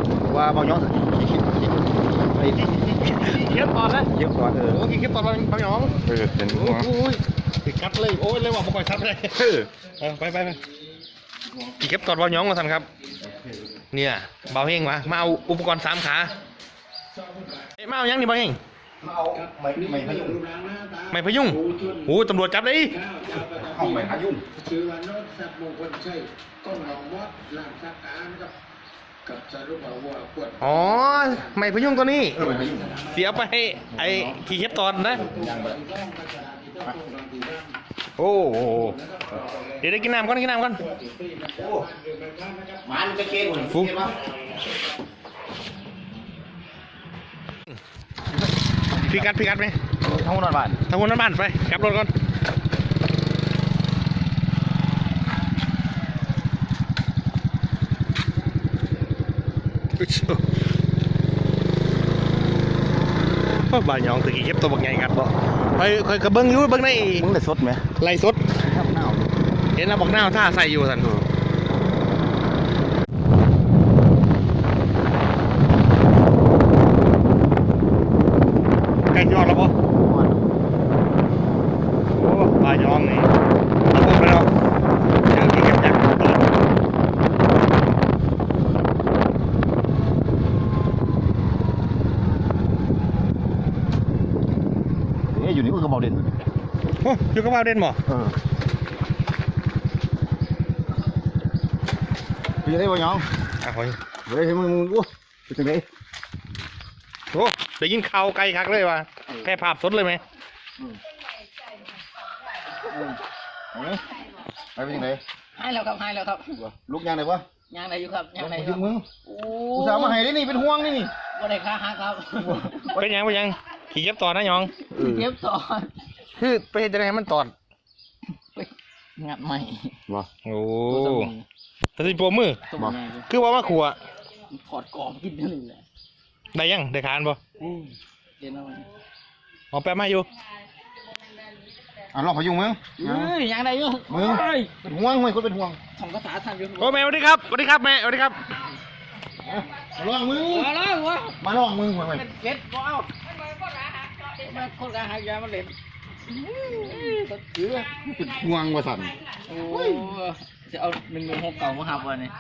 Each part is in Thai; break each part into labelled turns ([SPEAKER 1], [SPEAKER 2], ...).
[SPEAKER 1] ว่าเบาย้อนไอ้
[SPEAKER 2] เก็บตอนนะ
[SPEAKER 1] เยอะกว่า
[SPEAKER 2] โอ้ยเก็บตอนบางหยอง
[SPEAKER 1] เห็นหัว
[SPEAKER 2] โอ้ยติดกัดเลยโอ้ยเลยว่าบ่ค่อยซับเลยไปเก็บตอนบางหยองมาสั่นครับเนี่ยเบาเฮงมาเอาอุปกรณ์3 ขามาเอายังนี่เบาเฮง
[SPEAKER 1] เอาไม่พยุง
[SPEAKER 2] ไม่พยุงโอ้ตำรวจจับเลย
[SPEAKER 1] เอาไม่พยุง
[SPEAKER 3] ชื่อว่านกสัตว์มงคลใช่ก้องหนองมดหลังสักการกับสรุปว่าปวด
[SPEAKER 2] อ๋อไม่พยุงตัวนี้เสียไปไอ้ขี่เก็บตอนนะโอ้เดี๋ยวได้กินน้ำก่อน
[SPEAKER 1] มันจะเกลี่ย
[SPEAKER 2] ฟุ๊พี่กัดไหม
[SPEAKER 1] ทั้งหมดบ้าน
[SPEAKER 2] ไปกลับรถก่อนบ้านยองตะกี้เก็บตัวบักใหญ่กันบ่คอยกระเบื้องอยู่เบื้องใน
[SPEAKER 1] มึงได้สดไหม
[SPEAKER 2] ไล่สดเห็นแล้วบักหน้าท่าใส่อยู่สันใกล้ยอดแล้วป่ะโอ้บ้านยองนี่ระบบไปแล้วเจอที่เก็บจาก
[SPEAKER 1] อยู่นี่ก็เบาเด่น
[SPEAKER 2] โอ้อยู่กับเบาเด่นบ่
[SPEAKER 1] พี่ได้บ่ยอง
[SPEAKER 2] เฮ้ย
[SPEAKER 1] ให้มึงอู้ไปถึงไหน
[SPEAKER 2] โอ้ได้ยินข่าวไกลคักเลยว่ะแค่ภาพสดเลยไหม
[SPEAKER 1] ไปถึงไหน
[SPEAKER 4] ให้แล้วครับ
[SPEAKER 1] ลูกยังไงวะ
[SPEAKER 4] ยังไหนอยู่ครับยังไหน
[SPEAKER 1] อยู่มึงกูสาวมาให้ได้นี่เป็นห่วงนี่
[SPEAKER 4] บ่ได้ค่าหักครับ
[SPEAKER 2] เป็นยังขี่เก็บต่อนะยอง
[SPEAKER 4] เก็บต่อ
[SPEAKER 2] คือไปเห็นจะไงมันตอด
[SPEAKER 4] งัดใหม่
[SPEAKER 1] วะ
[SPEAKER 2] โอ้ตัดสินโปรมือคือว่ามาขัว
[SPEAKER 4] ถอดกรอบกินนี่แหละ
[SPEAKER 2] ได้ยังได้คานป่ะ
[SPEAKER 4] เดี๋ยวนะ
[SPEAKER 2] อ๋อแป๊บมาอยู่
[SPEAKER 1] ลองพยุงมึง
[SPEAKER 4] ยังได้อยู่
[SPEAKER 1] มึงเป็นห่วงคนเป็นห่วง
[SPEAKER 4] ของภาษาทำอยู่
[SPEAKER 2] โอ้แม่สวัสดีครับแม่สวัสดีครับ
[SPEAKER 1] ลองมึงมาลองมึงมา
[SPEAKER 4] เก็ดว้าวมาคนละหายามาเล่น
[SPEAKER 1] เป็นห่วงว่าสั่น
[SPEAKER 4] โอ้จะเอา116เก่ามาหับวันนี้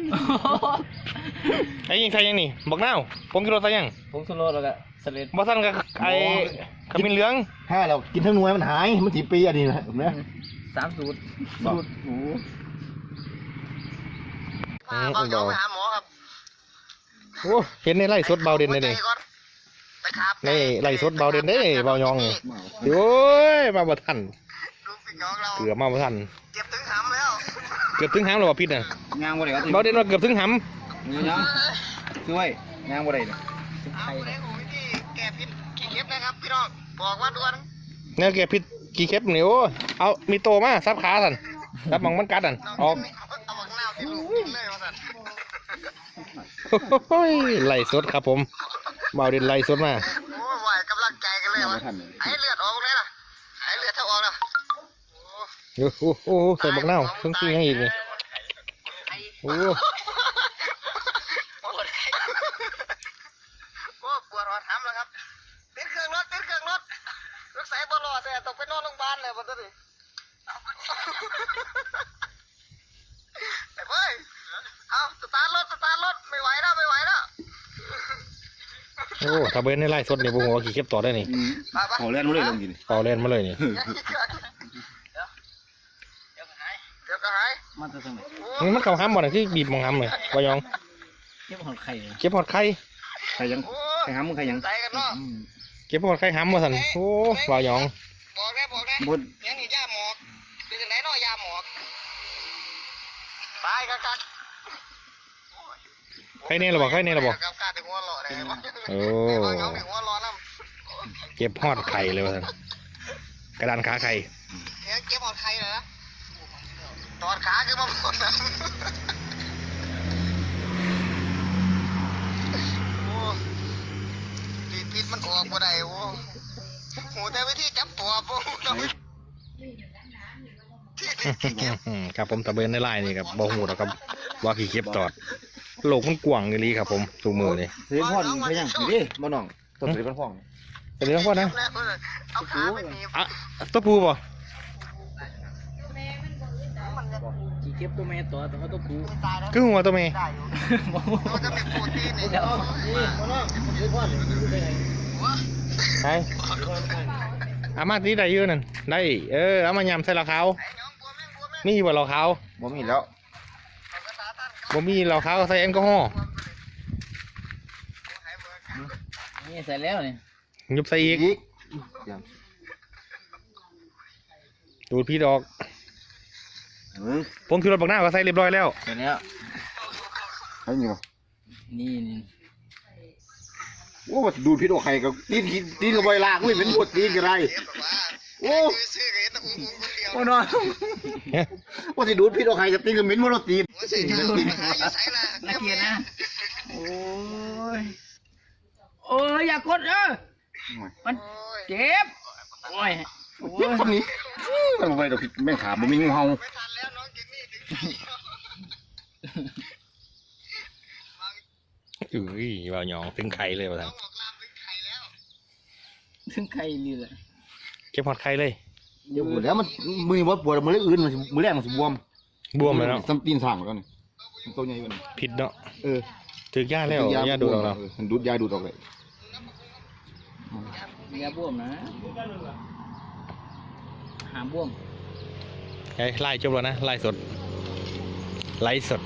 [SPEAKER 2] ไอ้ยิงใส่ยังนี่บอกเน่าผมกินรถใส่ยัง
[SPEAKER 4] ผมสุโรแล้วก็เสร็จ
[SPEAKER 2] บ่สั่นกับไอ้ขมิ้นเหลือง
[SPEAKER 1] ถ้าเรากินทั้งหน่วยมันหายมัน10 ปีอันนี้นะเห็นไหม
[SPEAKER 4] 3 สูตรโอ้
[SPEAKER 2] เอายองไปหาหมอครับโอ้เห็นในไล่สดเบาเด่นเลยนี่ในไล่สดเบาเด่นได้เบายองโอ้ยมาบ่ทันเกือบมาบ่ทัน
[SPEAKER 3] เก็บถึงหำแล้ว
[SPEAKER 2] เกือบถึงหำแล้วว่าพิษน่ะ
[SPEAKER 1] งานบ่ได้
[SPEAKER 2] เบาเด่นว่าเกือบถึงหำ
[SPEAKER 1] ยังช่วยงานบ่ได้เนี่ย
[SPEAKER 3] เอาในหูที่แก้พิษขี้เข็บนะครับพี่น้องบอกว่าด่วน
[SPEAKER 2] เนี่ยแกพิษกี่เข็บนี่โอ้เอามีโตมาซับขาสันซับมังมันกัดสันออก
[SPEAKER 3] เอาบักหน้าที่ลูกกินเลยว่าสัน
[SPEAKER 2] โอ้ยไล่สดครับผมเบาเด่นไล่สดมา
[SPEAKER 3] โอ้ยไหวกำลังใจกันเลยวะไอ้เลือดออกเลยล่ะไอ้เลือดเท่าออกแล้ว
[SPEAKER 2] โอ้ใส่บักเน่าเพิ่งกินยังอีกนี่โอ้
[SPEAKER 3] ปวดหัวทำแล้วครับติดเครื่องรถรถใส่บอลล์แต่ต้องไปนอนโรงพยาบาลเลยวันนี้เฮ้ยเอาสตาร์ทรถไม่ไหวแล้ว
[SPEAKER 2] โอ้ถ้าเบนในไล่สดเนี่ยผมว่าขี่เก็บต่อได้นี่
[SPEAKER 1] ขอเล่นมาเลยลงกิน
[SPEAKER 2] ขอเล่นมาเลยนี่
[SPEAKER 3] เดี๋ยวก็หาย
[SPEAKER 4] มันจะทำไม
[SPEAKER 2] มันเข้าห้ามบ่อนที่บีบมองห้ามเลยปยอง
[SPEAKER 4] เก็บหอดไข่
[SPEAKER 1] ใครยังใครห้ามมึงใครยัง
[SPEAKER 2] เก็บหอดไข่ห้ามมาสั่นโอ้ปยอง
[SPEAKER 3] บอกได้ยังนี่ยาหมอกเป็นไหนน้อยยาหมอกตายกัน
[SPEAKER 2] ใครเนี่ยเราบอกโอ้เก็บหอดไข่เลยว่าสั่นกระดานขาไข่
[SPEAKER 3] เก็บหอดไข่เหรอตอดขาคือมาหมดนะโอ้พิษมันออกมาได้โอ้โหแต่วิธีจับตัวปุ๊บ
[SPEAKER 2] ครับผมตะเบนในไล่นี่ครับบ่หูหรอกครับว่าขี่เก็บตอดโลกมันกว้างอย่างนี้ครับผมทุกมือเลย
[SPEAKER 1] เสียงพ่อนเพียงนี่ดิบ่น้องตัวเสียงพ่อน
[SPEAKER 2] เป็นเรื่องพ่อนะ
[SPEAKER 3] เอาขาไปหนีบ
[SPEAKER 2] อ่ะตัวผู้ป่ะ
[SPEAKER 4] ขี่เก็บตัวแม่ตัวเขาตัวผู้
[SPEAKER 3] ตายแล้ว
[SPEAKER 2] คือหัวตัวเมย์
[SPEAKER 3] ได้อยู่มันจะเป็นโปรตีนนี่
[SPEAKER 4] เดี๋ยว
[SPEAKER 1] นี่บ่น้องเสียงพ่อนนี่อยู่ได้ไง
[SPEAKER 2] ใช่อามาที่ใดยืนนั่นได้เอามายำใส่เหล้าขาวมีบ่เหล้าขาว
[SPEAKER 1] บ่มีแล้ว
[SPEAKER 2] บ่มีเหล้าขาวใส่แอลกอฮอล์
[SPEAKER 4] นี่ใส่แล้วนี่
[SPEAKER 2] ยุบใส่อีกดูดพี่ดอกผมคือรถบักหน้าก็ใส่เรียบร้อยแล้ว
[SPEAKER 4] ใส่แล้ว
[SPEAKER 1] ใช่นี่บ่
[SPEAKER 4] นี่
[SPEAKER 1] โอ้ดูพิษโอใครกับตีนกับใบลากไม่เป็นบทตีนกันไรโอ้โอ้นอนว่าสิดูพิษโอใครกับตีนกับเหม็นมันตีน
[SPEAKER 4] ละเกียดนะโอ้ยอย่ากดมันเจ็บโอ้ย
[SPEAKER 1] เจ็บคนนี้มันไปดอกแม่งขาบ่มีงูเห่า
[SPEAKER 2] บ่าวหยองถึงไข่เลยว่าซั่น
[SPEAKER 4] ถึงใครนี่แหละ
[SPEAKER 2] เก็บหอดไข่เลย
[SPEAKER 1] เดี๋ยวปวดแล้วมันมือปวดมือเล็กอื่นมันมือแรกมันบวม
[SPEAKER 2] บวมเลยเนาะ
[SPEAKER 1] ซ้ำตีนสั่งแล้วนี่ตัวใหญ่กว่านี้
[SPEAKER 2] ผิดเนาะ
[SPEAKER 1] เออ
[SPEAKER 2] ถึกยาแล้วยาดูดออกแล้ว
[SPEAKER 1] มันดูดยาดูดออกเลย
[SPEAKER 4] อย่าบวมนะหามบวม
[SPEAKER 2] ไล่จบแล้วนะไล่สดไล่สด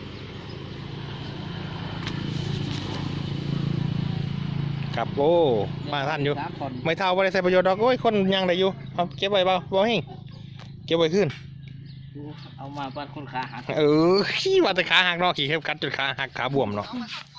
[SPEAKER 2] ครับโอ้มาท่านอยู่ไม่เท่าว่าได้ใส่ประโยชน์ดอกโอ้ยคนยังได้อยู่เอาเก็บไว้เปล่าบ่เฮงเก็บไว้ขึ้น
[SPEAKER 4] เอามาปัดคนขาหัก
[SPEAKER 2] ขี้ว่าแต่ขาหักเนาะขี่เข็บกัดจนขาหักขาบวมเนาะ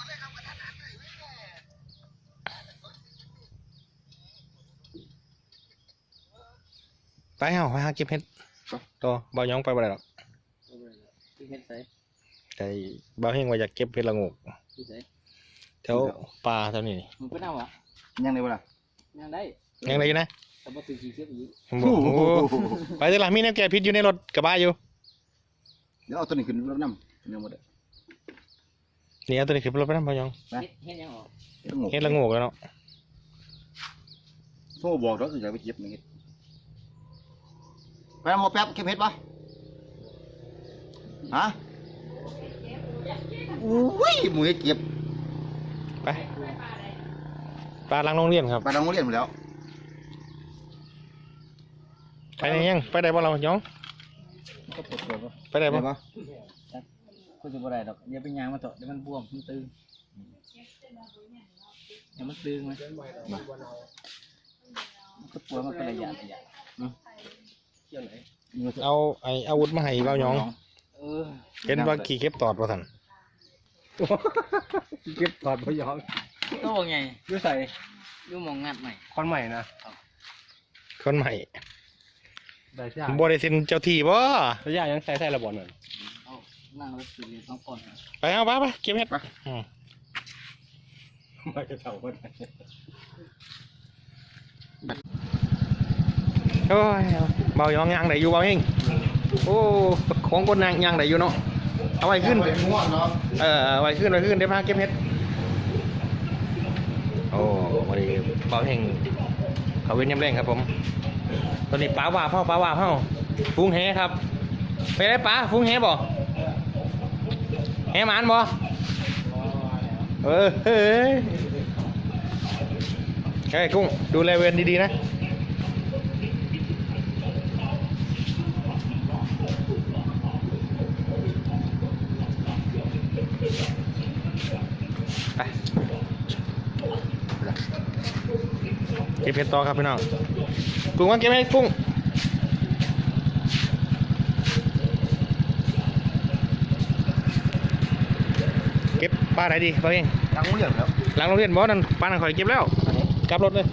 [SPEAKER 2] ไปไปหาเก็บเห็ดต่อบ่าวหยองไปบ่ได้หรอก
[SPEAKER 4] ที่เฮ็ดใส่
[SPEAKER 2] แต่บ่าวเฮงว่าอยากเก็บเห็ดละโงก
[SPEAKER 4] ที่ใส่
[SPEAKER 2] แถวป่าแถวนี้นี่
[SPEAKER 4] มันเป็นเอาวะ
[SPEAKER 1] ยังไงวะล่ะ
[SPEAKER 4] ยังได้
[SPEAKER 2] ยังไงนะ
[SPEAKER 4] แต่บ่ตื่นขี่เก็บอีก
[SPEAKER 2] บอกโอ้ไปเถอะล่ะมีแนวแก้พิษอยู่ในรถกระบะอยู่
[SPEAKER 1] เดี๋ยวเอาตัวนี้ขึ้นรถน้ำยังหมดเลย
[SPEAKER 2] นี่เอาตัวนี้ขึ้นไปรถไปนะบ่าวหยอง
[SPEAKER 4] เฮ็ดยังออก
[SPEAKER 2] เห็ดละโงกแล้วเนาะ
[SPEAKER 1] โซ่บอกเราจะไปเก็บนี่ไปเอาหมอแป๊บเก็บเห็ดปะฮะอุ้ยหมูเห็ดเก็บ
[SPEAKER 2] ไปปลาหลังโรงเรียนครับ
[SPEAKER 1] ไปโรงเรียนหมดแล้ว
[SPEAKER 2] ไปไหนยังไปได้บ่เราหยอง
[SPEAKER 4] ก็ปวดหัวบ่
[SPEAKER 2] ไปได้บ่
[SPEAKER 1] ปะ
[SPEAKER 4] ก็จะบ่ได้ดอกอย่าไปยางมาเถอะเดี๋ยวมันบวมมันตึงเดี๋ยวมันตึงมันก็ปวดมันเป็นระยะเกี่ยวไหน
[SPEAKER 2] เอาไอ้อาวุธมาให้บ่าวหยอง
[SPEAKER 4] เออ
[SPEAKER 2] เห็นว่าขี่เข็บตอดว่าซั่น
[SPEAKER 1] เก็บถอดพยอง
[SPEAKER 4] ตัวว่าไง
[SPEAKER 1] ด้วยใส่
[SPEAKER 4] อยู่หมองงัดใหม่
[SPEAKER 1] คอนใหม่นะ
[SPEAKER 2] คนใหม่
[SPEAKER 1] ได้ใช่
[SPEAKER 2] บ่ได้เซ็นเจ้าที่บ่
[SPEAKER 1] ระยะยังใส่ระบบนั่น
[SPEAKER 4] เอานั่งรถสื่อต้องก่อน
[SPEAKER 2] ไปเอาไปเก็บเห็ดอืม
[SPEAKER 1] ไม่จะเท่ากัน
[SPEAKER 2] โอ้ยเบาหยองยังได้อยู่เบาเองโอ้ของคนยังได้อยู่เนาะเอาไว้ขึ้น
[SPEAKER 1] ง่วงเนาะ
[SPEAKER 2] เอาไว้ขึ้นเดี๋ยวพาเก็บเห็ดโอ้วันนี้เบาเองเขาเว้นยำแรงครับผมตอนนี้ป้าว่าเผาฟุ้งแหครับไปได้ป้าฟุ้งแหบ่แหหมานบ่เฮ้ยกุ้งดูแลเวรดีๆนะไปเก็บเห็ดต่อครับพี่น้องกุ้งว่าเก็บไหมกุ้งเก็บปลาไหนดีปลาเอง
[SPEAKER 1] หลังโรงเรียนแล้ว
[SPEAKER 2] หลังโรงเรียนบอสนั่นปลาหนังข่อยเก็บแล้วกลับรถเลย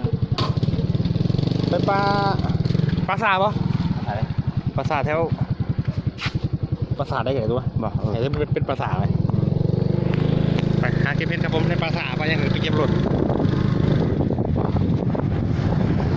[SPEAKER 2] ไปปลาสาปะปลาสาแถวปลาสาได้ไงตัวบอกเห็นเป็นปลาสาไหมไปหาเก็บเพชรครับผมในปลาสาไปยังไงไปเก็บรถ